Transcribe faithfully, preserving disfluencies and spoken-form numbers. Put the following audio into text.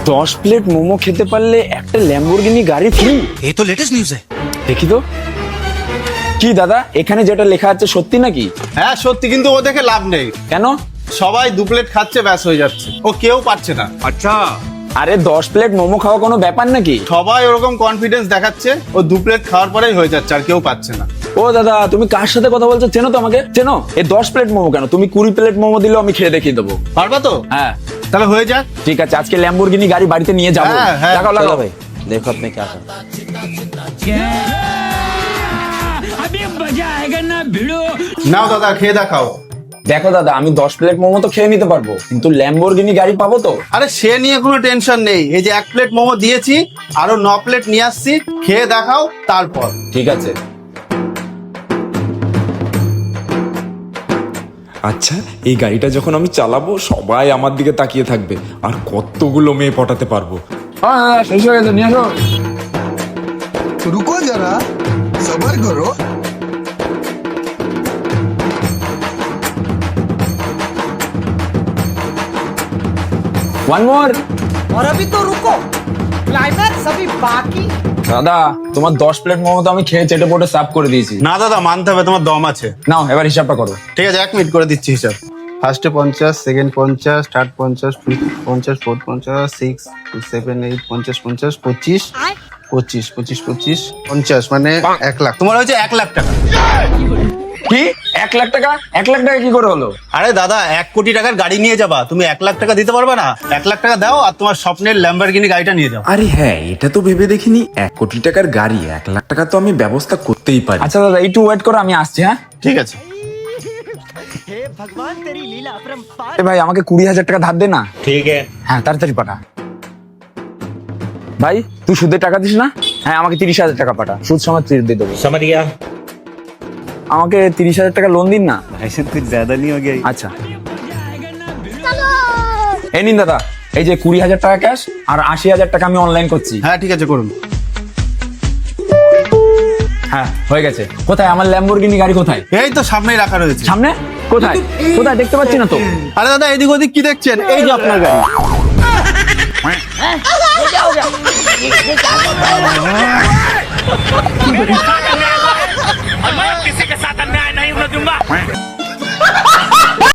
দশ প্লেট মোমো খেতে পারলে একটা ল্যাম্বরগিনি গাড়ি ফ্রি। ये तो लेटेस्ट न्यूज़ है। দেখি তো কি দাদা, এখানে যেটা লেখা আছে সত্যি নাকি? হ্যাঁ সত্যি, কিন্তু ও দেখে লাভ নেই। কেন? সবাই দু প্লেট খাচ্ছে, ব্যাস হয়ে যাচ্ছে, ও কেউ পাচ্ছে না। अच्छा আরে দশ প্লেট মোমো খাওয়া কোনো ব্যাপার নাকি? সবাই ওরকম কনফিডেন্স দেখাচ্ছে, ও দু প্লেট খাওয়ার পরেই হয়ে যাচ্ছে, আর কেউ পাচ্ছে না। ও দাদা, তুমি কার সাথে কথা বলছো? চেনো তো আমাকে? চেনো? এই দশ প্লেট মোমো কেন, তুমি কুড়ি প্লেট মোমো দিলেও আমি খেয়ে দেখিয়ে দেবো। পারবা তো? হ্যাঁ তাহলে হয়ে যাক। ঠিক আছে, আজকে ল্যাম্বরগিনি গাড়ি বাড়িতে নিয়ে যাবো। হ্যাঁ, হ্যাঁ, লাগাও চলো লাগাও ভাই। দেখো আপনি क्या कर अभी मजा आएगा ना भिड़ो। নাও দাদা, খেয়ে দেখাও। দেখো দাদা, আমি দশ প্লেট মোমো তো খেয়ে নিতে পারবো, কিন্তু ল্যাম্বরগিনি গাড়ি পাবো তো? আরে সে নিয়ে কোনো টেনশন নেই, এই যে এক প্লেট মোমো দিয়েছি, আরো ন প্লেট নিয়ে আসছি, খেয়ে দেখাও তারপর। ঠিক আছে। আচ্ছা, এই গাড়িটা যখন আমি চালাবো সবাই আমার দিকে তাকিয়ে থাকবে, আর কতগুলো মেয়ে পটাতে পারবো। হ্যাঁ দাদা, শেষ হয়ে গেছে, নিয়ে আসো। रुको जरा सबर करो। One more. और अभी तो रुको, क्लाइमैक्स अभी बाकी। দাদা, তোমার দশ প্লেট মোমো তো আমি খেয়ে চেটে পোটে সাফ করে দিয়েছি। না দাদা, মানতে হবে, তোমার দম আছে। নাও এবার হিসাবটা করো। ঠিক আছে, এক মিনিট করে দিচ্ছি হিসাব। ফার্স্টে পঞ্চাশ, সেকেন্ড পঞ্চাশ, থার্ড পঞ্চাশ, ফিফথ পঞ্চাশ, ফোর্থ পঞ্চাশ, সিক্স সেভেন এইট পঞ্চাশ পঞ্চাশ পঁচিশ পঁচিশ পঁচিশ পঁচিশ পঞ্চাশ, মানে এক লাখ। তোমার হয়েছে এক লাখ টাকা। কি এক লাখ টাকা? এক লাখ টাকা কি করে হলো? আরে দাদা, এক কোটি টাকার গাড়ি নিয়ে যাবা, তুমি এক লাখ টাকা দিতে পারবে না? এক লাখ টাকা দাও আর তোমার স্বপ্নের ল্যাম্বরগিনি গাড়িটা নিয়ে যাও। আরে হ্যাঁ, এটা তো ভেবে দেখিনি, এক কোটি টাকার গাড়ি, এক লাখ টাকা তো আমি ব্যবস্থা করতেই পারি। আচ্ছা দাদা, একটু ওয়েট করো, আমি আসছি। হ্যাঁ ঠিক আছে। এ ভাই, আমাকে কুড়ি হাজার টাকা ধার দে না। ठीक है হ্যাঁ তাড়াতাড়ি পাঠা। ভাই, তুই সুদের টাকা দিস না? হ্যাঁ, আমাকে তিরিশ হাজার টাকা পাঠা, সুদ সমেত দিয়ে দেবো। समझ गया। আমাকে তিরিশ হাজার টাকা লোন দিন না। ऐसे कुछ ज्यादा नहीं हो गया। আচ্ছা, এই নিন দাদা, এই যে কুড়ি হাজার টাকা ক্যাশ আর আশি হাজার টাকা আমি অনলাইন করছি। হ্যাঁ ঠিক আছে, করুন। হ্যাঁ হয়ে গেছে। কোথায় আমার ল্যাম্বরগিনি গাড়ি? কোথায়? এই তো সামনেই রাখা রয়েছে। সামনে? কোথায় কোথায় দেখতে পাচ্ছি না তো। আরে দাদা, এদিক ওদিক কি দেখছেন? এই যে আপনার গাড়ি।